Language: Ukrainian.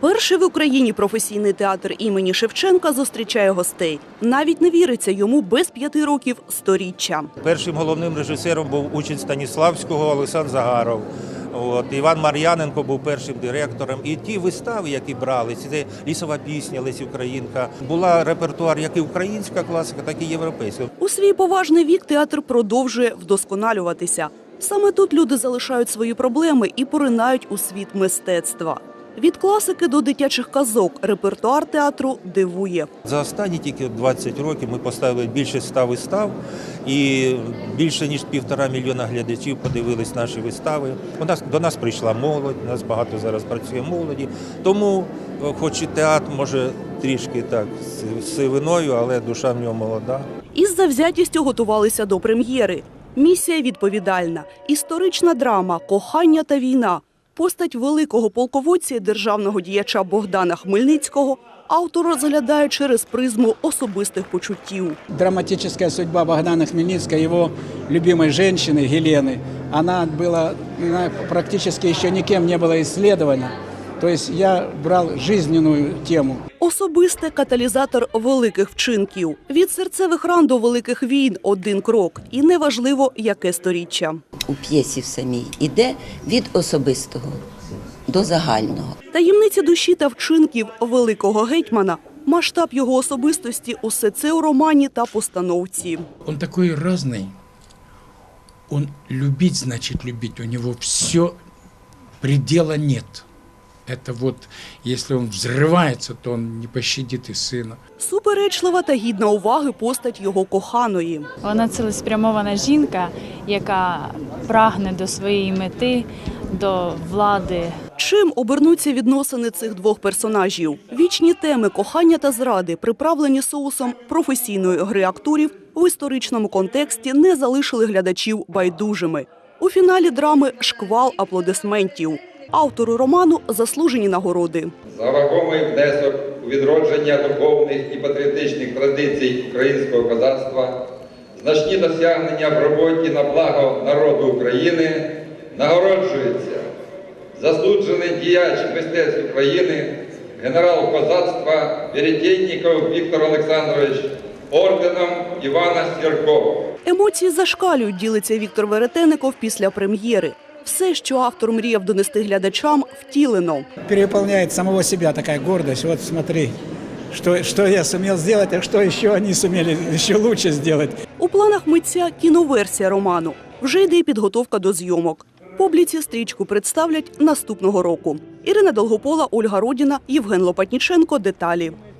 Перший в Україні професійний театр імені Шевченка зустрічає гостей. Навіть не віриться йому без 5 років сторіччя. Першим головним режисером був учень Станіславського Олександр Загаров. Іван Мар'яненко був першим директором. І ті вистави, які брали, це «Лісова пісня», «Лесі Українка», була репертуар як і українська класика, так і європейська. У свій поважний вік театр продовжує вдосконалюватися. Саме тут люди залишають свої проблеми і поринають у світ мистецтва. Від класики до дитячих казок репертуар театру дивує. За останні тільки 20 років ми поставили більше 100 вистав і більше ніж 1,5 мільйона глядачів подивились наші вистави. До нас прийшла молодь, у нас багато зараз працює молоді. Тому, хоч і театр може трішки так з сивиною, але душа в нього молода. Із завзятістю готувалися до прем'єри. Місія відповідальна. Історична драма «Кохання та війна». Постать великого полководця і державного діяча Богдана Хмельницького автор розглядає через призму особистих почуттів. Драматическая судьба Богдана Хмельницкого, его любимой женщины Елены, она была практически еще никем не была исследована. То есть я брал жизненную тему. Особисте каталізатор великих вчинків. Від серцевих ран до великих війн – один крок. І неважливо, яке сторіччя. У п'єсі в самій іде від особистого до загального. Таємниці душі та вчинків великого гетьмана, масштаб його особистості – усе це у романі та постановці. Он такой разный. Он любить значит любить. У него все, предела нет. Это вот, если он взрывается, то он не пощадит и сына. Суперечлива та гідна уваги постать його коханої. Вона цілеспрямована жінка, яка прагне до своєї мети, до влади. Чим обернуться відносини цих двох персонажів? Вічні теми кохання та зради, приправлені соусом професійної гри акторів, в історичному контексті не залишили глядачів байдужими. У фіналі драми шквал аплодисментів. Автору роману заслужені нагороди. За вагомий внесок у відродження духовних і патріотичних традицій українського козацтва, значні досягнення в роботі на благо народу України нагороджується заслужений діяч мистецтв України, генерал козацтва Веретєнніков Віктор Олександрович орденом Івана Сіркова. Емоції зашкалюють, ділиться Віктор Веретенников після прем'єри. Все, що автор мріяв донести глядачам, втілено. Переполняет самого себя такая гордость. Вот смотри, что я сумел сделать, а что еще они сумели еще лучше сделать. У планах митця кіноверсія роману. Вже йде підготовка до зйомок. Публіці стрічку представлять наступного року. Ірина Долгопола, Ольга Родіна, Євген Лопатніченко. Деталі.